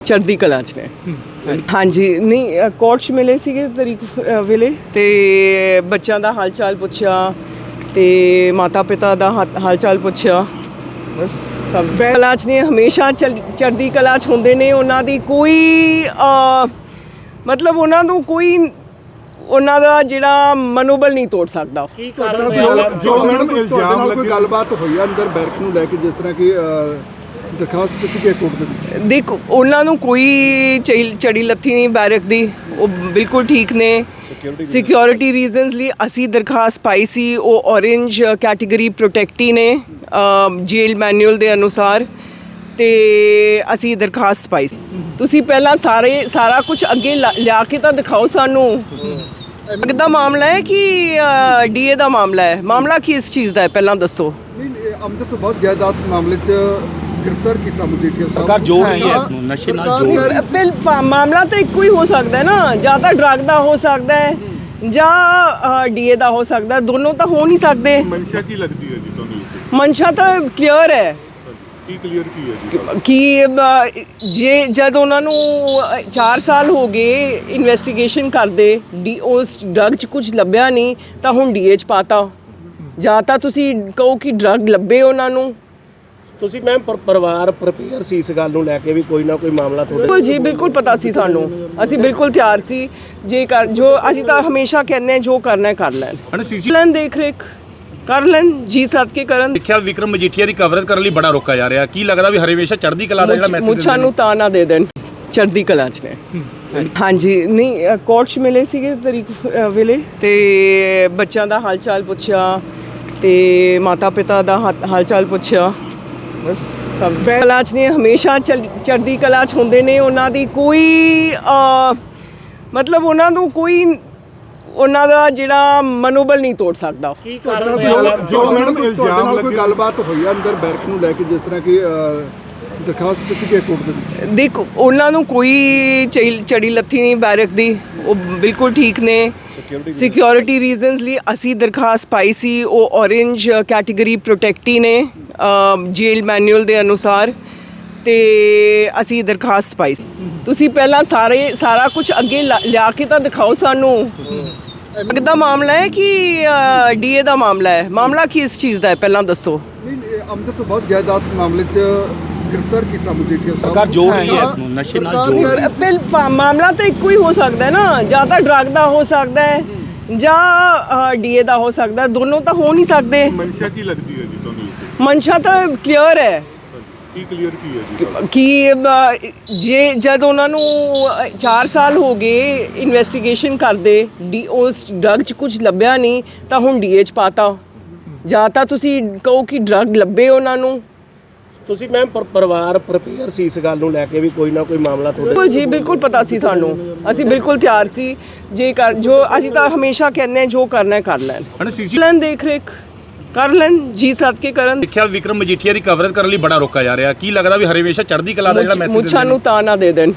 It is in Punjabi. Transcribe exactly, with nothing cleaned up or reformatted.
ਚੜ੍ਹਦੀ ਕਲਾ 'ਚ ਨੇ। ਹਾਂਜੀ, ਨਹੀਂ ਕੋਰਟ 'ਚ ਮਿਲੇ ਸੀਗੇ ਤਰੀਕ ਅ, ਵੇਲੇ ਤੇ ਬੱਚਿਆਂ ਦਾ ਹਾਲ ਚਾਲ ਪੁੱਛਿਆ ਤੇ ਮਾਤਾ ਪਿਤਾ ਦਾ ਹਾ- ਹਾਲ ਚਾਲ ਪੁੱਛਿਆ। ਬਸ ਸਭ ਕਲਾ 'ਚ ਨੇ, ਹਮੇਸ਼ਾ ਚੜ੍ਹ- ਚੜ੍ਹਦੀ ਕਲਾ 'ਚ ਹੁੰਦੇ ਨੇ। ਉਹਨਾਂ ਦੀ ਕੋਈ ਅ, ਮਤਲਬ ਉਹਨਾਂ ਨੂੰ ਕੋਈ ਉਹਨਾਂ ਦਾ ਜਿਹੜਾ ਮਨੋਬਲ ਨਹੀਂ ਤੋੜ ਸਕਦਾ। ਕੀ ਕਾਰਨ ਹੋਇਆ ਜੋ ਮੈਡਮ ਇਲਜ਼ਾਮ ਨਾਲ ਕੋਈ ਗੱਲਬਾਤ ਹੋਈ ਆ ਅੰਦਰ ਬੈਰਕ ਨੂੰ ਲੈ ਕੇ, ਜਿਸ ਤਰ੍ਹਾਂ ਕਿ ਦਰਖਾਸਤ ਦਿੱਤੀ ਗਈ ਕੋਰਟ ਦੇ ਵਿੱਚ? ਦੇਖ, ਉਹਨਾਂ ਨੂੰ ਕੋਈ ਚੜੀ ਚੜੀ ਲੱਥੀ ਨਹੀਂ ਬੈਰਕ ਦੀ, ਉਹ ਬਿਲਕੁਲ ਠੀਕ ਨੇ। ਸਿਕਿਉਰਿਟੀ ਰੀਜ਼ਨਸ ਲਈ ਅਸੀਂ ਦਰਖਾਸਤ ਪਾਈ ਸੀ। ਉਹ ਔਰੇਂਜ ਕੈਟੇਗਰੀ ਪ੍ਰੋਟੈਕਟੀ ਨੇ ਜੇਲ ਮੈਨੂਅਲ ਦੇ ਅਨੁਸਾਰ, ਤੇ ਅਸੀਂ ਦਰਖਾਸਤ ਪਾਈ ਸੀ। ਤੁਸੀਂ ਪਹਿਲਾਂ ਸਾਰੇ ਸਾਰਾ ਕੁਝ ਅੱਗੇ ਲਾ- ਲਿਆ ਕੇ ਤਾਂ ਦਿਖਾਓ ਸਾਨੂੰ। ਕਿੱਦਾਂ ਮਾਮਲਾ ਹੈ ਕਿ ਡੀਏ ਦਾ ਮਾਮਲਾ ਹੈ? ਮਾਮਲਾ ਕੀ ਇਸ ਚੀਜ਼ ਦਾ ਹੈ ਪਹਿਲਾਂ ਦੱਸੋ। ਨਹੀਂ, ਅਮਦਤ ਤੋਂ ਬਹੁਤ ਜਾਇਦਾਦ ਮਾਮਲੇ 'ਚ ਗ੍ਰਿਫਤਾਰ ਕੀਤਾ ਮਜੀਠੀਆ ਸਾਹਿਬ। ਸਰਕਾਰ ਜੋੜ ਰਹੀ ਹੈ ਇਸ ਨੂੰ, ਨਸ਼ੇ ਨਾਲ ਜੋੜ ਰਹੀ ਹੈ। ਪਹਿਲ ਪਾ- ਮਾਮਲਾ ਤਾਂ ਇੱਕੋ ਹੀ ਹੋ ਸਕਦਾ ਹੈ ਨਾ, ਜਾਂ ਤਾਂ ਡਰੱਗ ਦਾ ਹੋ ਸਕਦਾ ਹੈ ਜਾਂ ਡੀਏ ਦਾ ਹੋ ਸਕਦਾ ਹੈ। ਦੋਨੋਂ ਤਾਂ ਹੋ ਨਹੀਂ ਸਕਦੇ। ਮਨਸ਼ਾ ਕੀ ਲੱਗਦੀ ਹੈ ਜੀ ਤੁਹਾਨੂੰ? ਮਨਸ਼ਾ ਤਾਂ ਕਲੀਅਰ ਹੈ ਕੀ ਕਲੀਅਰ ਕੀ ਹੈ ਜੀ? ਕਿ ਅ, ਜੇ ਜਦ ਉਹਨਾਂ ਨੂੰ ਚਾਰ ਸਾਲ ਹੋ ਗਏ ਇਨਵੈਸਟੀਗੇਸ਼ਨ ਕਰਦੇ, ਡੀ ਉਸ ਡਰੱਗ 'ਚ ਕੁਝ ਲੱਭਿਆ ਨਹੀਂ ਤਾਂ ਹੁਣ ਡੀਏ 'ਚ ਪਾਤਾ। ਜਾਂ ਤਾਂ ਤੁਸੀਂ ਕਹੋ ਕਿ ਡਰੱਗ ਲੱਭੇ ਉਹਨਾਂ ਨੂੰ। ਤੁਸੀਂ ਮੈਮ ਪਰਿਵਾਰ ਪ੍ਰਪੇਅਰ ਸੀ ਇਸ ਗੱਲ ਨੂੰ ਲੈ ਕੇ ਵੀ ਕੋਈ ਨਾ ਕੋਈ ਮਾਮਲਾ ਤੁਹਾਡੇ? ਬਿਲਕੁਲ ਜੀ, ਬਿਲਕੁਲ ਪਤਾ ਸੀ ਸਾਨੂੰ। ਅਸੀਂ ਬਿਲਕੁਲ ਤਿਆਰ ਸੀ। ਜੇ ਕਰ ਜੋ ਅਸੀਂ ਤਾਂ ਹਮੇਸ਼ਾ ਕਹਿੰਦੇ ਹਾਂ ਜੋ ਕਰਨਾ ਹੈ ਕਰ ਲੈਣ। ਹਣ ਸੀਸੀ ਲੈਣ ਦੇਖ ਰੇਖ ਕਰ ਲੈਣ, ਜੀ ਸੱਦ ਕੇ ਕਰਨ। ਦੇਖਿਆ ਵਿਕਰਮ ਮਜੀਠੀਆ ਦੀ ਕਵਰੇਜ ਕਰਨ ਲਈ ਬੜਾ ਰੋਕਾ ਜਾ ਰਿਹਾ। ਕੀ ਲੱਗਦਾ ਵੀ ਹਰੇਵੇਸ਼ਾ ਚੜ੍ਹਦੀ ਕਲਾ ਦਾ ਜਿਹੜਾ ਮੈਸੇਜ ਮੁੱਛਾਂ ਨੂੰ ਤਾਂ ਨਾ ਦੇ ਦੇਣ, ਚੜ੍ਹਦੀ ਕਲਾ 'ਚ ਨੇ। ਹਾਂਜੀ, ਨਹੀਂ ਕੋਰਟ 'ਚ ਮਿਲੇ ਸੀਗੇ ਤਰੀਕ ਅ, ਵੇਲੇ ਤੇ ਬੱਚਿਆਂ ਦਾ ਹਾਲ ਚਾਲ ਪੁੱਛਿਆ ਤੇ ਮਾਤਾ ਪਿਤਾ ਦਾ ਹਾ- ਹਾਲ ਚਾਲ ਪੁੱਛਿਆ। ਬਸ ਸਭ ਕਲਾ 'ਚ ਨੇ, ਹਮੇਸ਼ਾ ਚੜ੍ਹ- ਚੜ੍ਹਦੀ ਕਲਾ 'ਚ ਹੁੰਦੇ ਨੇ। ਉਹਨਾਂ ਦੀ ਕੋਈ ਅ, ਮਤਲਬ ਉਹਨਾਂ ਨੂੰ ਕੋਈ ਉਹਨਾਂ ਦਾ ਜਿਹੜਾ ਮਨੋਬਲ ਨਹੀਂ ਤੋੜ ਸਕਦਾ। ਕੀ ਕਾਰਨ ਹੋਇਆ ਜੋ ਮੈਡਮ ਇਲਜ਼ਾਮ ਨਾਲ ਕੋਈ ਗੱਲਬਾਤ ਹੋਈ ਆ ਅੰਦਰ ਬੈਰਕ ਨੂੰ ਲੈ ਕੇ, ਜਿਸ ਤਰ੍ਹਾਂ ਕਿ ਦਰਖਾਸਤ ਦਿੱਤੀ ਗਈ ਕੋਰਟ ਦੇ ਵਿੱਚ? ਦੇਖ, ਉਹਨਾਂ ਨੂੰ ਕੋਈ ਚੜੀ ਚੜੀ ਲੱਥੀ ਨਹੀਂ ਬੈਰਕ ਦੀ, ਉਹ ਬਿਲਕੁਲ ਠੀਕ ਨੇ। ਸਿਕਿਉਰਿਟੀ ਰੀਜ਼ਨਸ ਲਈ ਅਸੀਂ ਦਰਖਾਸਤ ਪਾਈ ਸੀ। ਉਹ ਔਰੇਂਜ ਕੈਟੇਗਰੀ ਪ੍ਰੋਟੈਕਟੀ ਨੇ ਜੇਲ ਮੈਨੂਅਲ ਦੇ ਅਨੁਸਾਰ, ਤੇ ਅਸੀਂ ਦਰਖਾਸਤ ਪਾਈ ਸੀ। ਤੁਸੀਂ ਪਹਿਲਾਂ ਸਾਰੇ ਸਾਰਾ ਕੁਝ ਅੱਗੇ ਲਾ- ਲਿਆ ਕੇ ਤਾਂ ਦਿਖਾਓ ਸਾਨੂੰ। ਕਿੱਦਾਂ ਮਾਮਲਾ ਹੈ ਕਿ ਡੀਏ ਦਾ ਮਾਮਲਾ ਹੈ? ਮਾਮਲਾ ਕੀ ਇਸ ਚੀਜ਼ ਦਾ ਹੈ ਪਹਿਲਾਂ ਦੱਸੋ। ਨਹੀਂ, ਅਮਦਤ ਤੋਂ ਬਹੁਤ ਜਾਇਦਾਦ ਮਾਮਲੇ 'ਚ ਗ੍ਰਿਫਤਾਰ ਕੀਤਾ ਮਜੀਠੀਆ ਸਾਹਿਬ। ਸਰਕਾਰ ਜੋੜ ਰਹੀ ਹੈ ਇਸ ਨੂੰ, ਨਸ਼ੇ ਨਾਲ ਜੋੜ ਰਹੀ ਹੈ। ਪਹਿਲ ਪਾ- ਮਾਮਲਾ ਤਾਂ ਇੱਕੋ ਹੀ ਹੋ ਸਕਦਾ ਹੈ ਨਾ, ਜਾਂ ਤਾਂ ਡਰੱਗ ਦਾ ਹੋ ਸਕਦਾ ਹੈ ਜਾਂ ਡੀਏ ਦਾ ਹੋ ਸਕਦਾ ਹੈ। ਦੋਨੋਂ ਤਾਂ ਹੋ ਨਹੀਂ ਸਕਦੇ। ਮਨਸ਼ਾ ਕੀ ਲੱਗਦੀ ਹੈ ਜੀ ਤੁਹਾਨੂੰ? ਮਨਸ਼ਾ ਤਾਂ ਕਲੀਅਰ ਹੈ ਕੀ ਕਲੀਅਰ ਕੀ ਹੈ ਜੀ? ਕਿ ਅ, ਜੇ ਜਦ ਉਹਨਾਂ ਨੂੰ ਚਾਰ ਸਾਲ ਹੋ ਗਏ ਇਨਵੈਸਟੀਗੇਸ਼ਨ ਕਰਦੇ, ਡੀ ਉਸ ਡਰੱਗ 'ਚ ਕੁਝ ਲੱਭਿਆ ਨਹੀਂ ਤਾਂ ਹੁਣ ਡੀਏ 'ਚ ਪਾਤਾ। ਜਾਂ ਤਾਂ ਤੁਸੀਂ ਕਹੋ ਕਿ ਡਰੱਗ ਲੱਭੇ ਉਹਨਾਂ ਨੂੰ। ਤੁਸੀਂ ਮੈਮ ਪਰਿਵਾਰ ਪ੍ਰਪੇਅਰ ਸੀ ਇਸ ਗੱਲ ਨੂੰ ਲੈ ਕੇ ਵੀ ਕੋਈ ਨਾ ਕੋਈ ਮਾਮਲਾ ਤੁਹਾਡੇ? ਬਿਲਕੁਲ ਜੀ, ਬਿਲਕੁਲ ਪਤਾ ਸੀ ਸਾਨੂੰ। ਅਸੀਂ ਬਿਲਕੁਲ ਤਿਆਰ ਸੀ। ਜੇ ਕਰ ਜੋ ਅਸੀਂ ਤਾਂ ਹਮੇਸ਼ਾ ਕਹਿੰਦੇ ਹਾਂ ਜੋ ਕਰਨਾ ਹੈ ਕਰ ਲੈਣ। ਹਣ ਸੀਸੀ ਲੈਣ ਦੇਖ ਰੇਖ ਕਰ ਲੈਣ, ਜੀ ਸੱਦ ਕੇ ਕਰਨ। ਦੇਖਿਆ ਵਿਕਰਮ ਮਜੀਠੀਆ ਦੀ ਕਵਰੇਜ ਕਰਨ ਲਈ ਬੜਾ ਰੋਕਾ ਜਾ ਰਿਹਾ। ਕੀ ਲੱਗਦਾ ਵੀ ਹਰੇਵੇਸ਼ਾ ਚੜ੍ਹਦੀ ਕਲਾ ਦਾ ਜਿਹੜਾ ਮੈਸੇਜ ਮੁੱਛਾਂ ਨੂੰ ਤਾਂ ਨਾ ਦੇ ਦੇਣ,